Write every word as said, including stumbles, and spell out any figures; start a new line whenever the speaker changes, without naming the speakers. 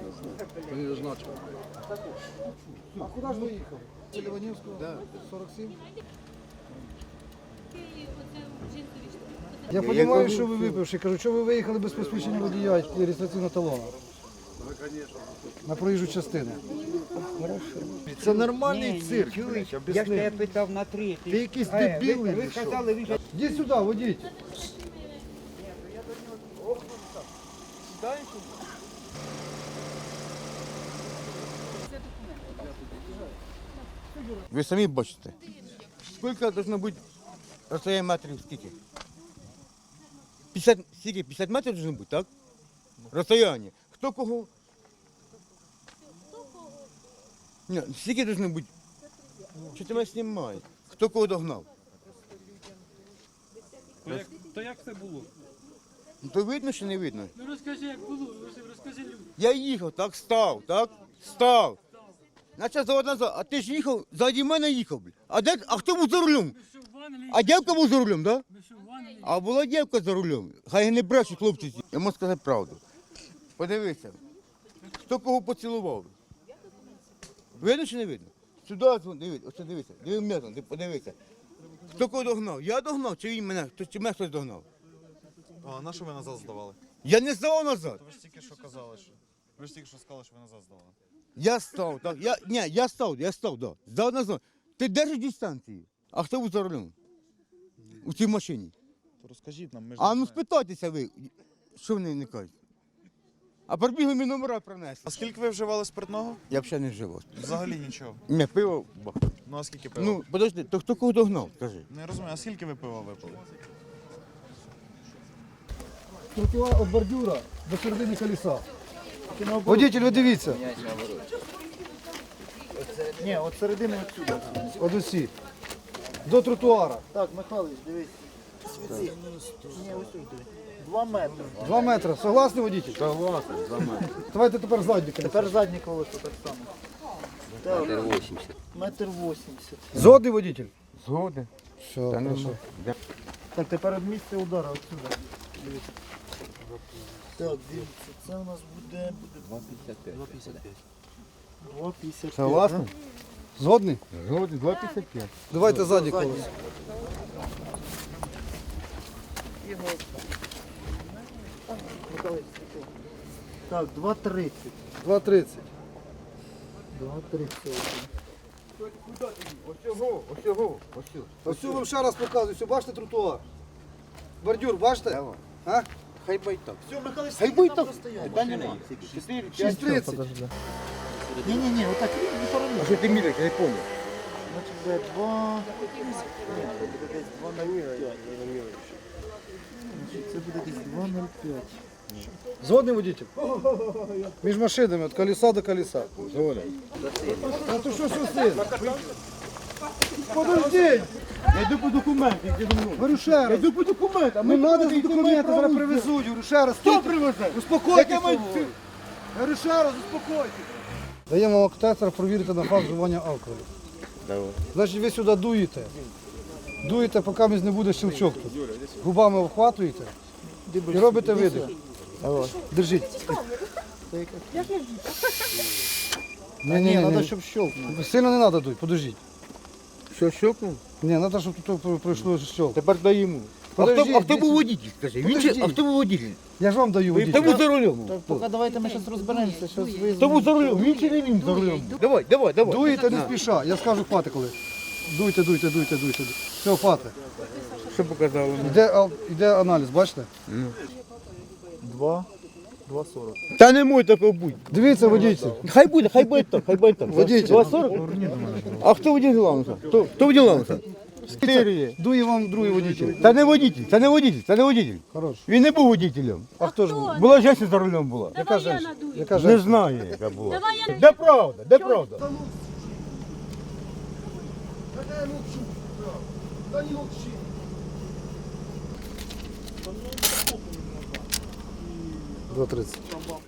Не значит.
А куда же вы ехали? Ливаневского?
Да.
сорок семь?
Я
Я розумію, що ви випивши. Кажу, що ви виїхали без посвідчення водія і реєстраційного талону? На проїжджу частину.
Це нормальний
Ні,
цирк.
ні, чуєш?
блядь,
Я ж
об'ясни.
тебе питав на третій.
Ти якийсь
Е,
дебіл,
ви, ви
чи що?
сказали, ви ж-
Йдіть сюди, водіть.
Ви самі бачите. Скільки должно бути розстояння метрів скільки? п'ятдесят, скільки? п'ятдесят метрів должно бути, так? Розстояння. Хто кого? Ні, скільки должно бути? Що ти мене знімаєш? Хто кого догнав?
То як, то як це було?
Ну, то видно чи не видно?
Ну розкажи, як було, розкажи людям.
Я їхав, так, став, так? Став. Наче завод назад, а ти ж їхав, ззаді мене їхав, блядь. А, де, а хто був за рулем?
Ми що в ванні?
А дівка був за рулем, так? Да?
Ми що в ванні?
А була дівка за рулем. Хай не брешуть хлопці. ці. Я можу сказати правду. Подивися, хто кого поцілував. Видно чи не видно? Сюди дзвон, дивись, ось дивися, диви мене, ти подивися. Хто кого догнав? Я догнав, чи він мене, хто- чи мене хтось догнав?
А на що ви назад здавали?
Я не здавав назад.
Ви ж тільки що казали, що ви ж тільки що сказали, що ви назад здавали.
Я став, так. Я, ні, я став, я став, да. Здав назад. Ти держиш дистанцію. А хто був за рулем? У цій машині.
То розкажіть нам, ми ж
А
не
ну
знаємо.
спитайтеся ви, що вони не кажуть. А прибігли мені номера принесли.
А скільки ви вживали спиртного?
Я взагалі не вживав.
Взагалі нічого.
Не, пиво бах.
Ну а скільки пива?
Ну, подожди, то хто кого догнав, скажи.
Не розумію, а скільки ви пива випили?
Тротуар від бордюра до середини колеса. Водитель, ви дивіться.
Ні, от середини отсюди.
От усі. До тротуара.
Так, Михайлович, дивись. Світи. Ні, ось тут диви. Два метри.
Два метри. Согласний водитель?
Согласен, за мене.
Давайте тепер задні колесо.
Тепер заднє колесо так само. Так. Метр вісімдесят. Метр вісімдесят.
Згодний водитель?
Згоден.
Все,
Та ну,
хорошо.
да.
Так, тепер від місця удара отсюди. Дивіться. Так, дивіться, це у нас буде... два п'ятдесят п'ять. два п'ятдесят п'ять. два п'ятдесят п'ять.
Согласен?
Згодний?
Згоден, два п'ятдесят п'ять.
Давайте задні колесо.
Михайлович, світи. Так, два тридцять.
два тридцять.
два тридцять.
Ось цього, ось цього, ось цього.
Ось цю вам ще раз показую. Все, бачите тротуар? Бордюр, бачите?
Давай.
А?
Хай бай так.
Все, Михайлович,
Хай
скільки
бай
там
так.
розстояння?
Та нема. Чотири, п'ять.
шість тридцять.
Ні-ні-ні, отак не
А
поровну.
що ти міряєш, я не пам'ятаю.
Значить, буде два... Ні, це буде десь два нуль п'ять. Значить, це буде десь два нуль п'ять.
Згодний водитель? Між машинами, від колеса до колеса.
Згоден.
А то що сусід? Подожди!
Я йду по документам, ти зі мною.
Говорю ще
Я
раз.
йду по документам.
Не
ми
треба
туди
за
йдемо,
документи, зараз
право
привезуть. Говорю ще раз.
Хто
стійте.
привезе?
Успокойтесь.
Яке має-
свого. Говорю ще раз, успокойтесь. Даємо вам алкотестер, провірити на факт вживання алкоголю.
Давай.
Значить, ви сюди дуєте. Дуєте, поки не буде щелчок тут. Губами обхватуєте і робите видих. Держіть. Ні, ні,
Ні,
ні,
треба,
ні.
щоб щелкнув.
Сильно не треба дуть, подождіть.
Що, щелкнув?
Ні, треба, щоб тут пройшло щелк.
Тепер дай йому. А
Подожди,
хто, а хто
десь-
був водитель, скажи? Він чи,
Подожди.
а хто був водитель?
Я ж вам даю
Хто
водитель.
був за рулем?
Так, поки давайте ми зараз розберемося, що ви...
Хто був за рулем? Він чи не він за рулем? Давай, давай, давай.
Дуєте не спіша. Я скажу хвати коли. Дуйте, дуйте, дуйте, дуйте. Все, хвати.
Що показало?
Іде, ал- іде аналіз, бачите?
Два, два сорок.
Та не може такого бути.
Дивіться, водійці.
Хай буде, хай буде так, хай буде так.
Водитель.
два сорок? А хто водитель Лауса? Хто, хто водитель Лауса? Чотири.
Дує вам другий водитель.
Це не водитель, це не водитель, це не водитель.
Хорош.
Він не був водителем.
А хто ж був?
Була жінка за рулем була.
Яка женщина? Яка
Не
женщина?
знаю, яка була. Де правда, де правда?
два тридцять.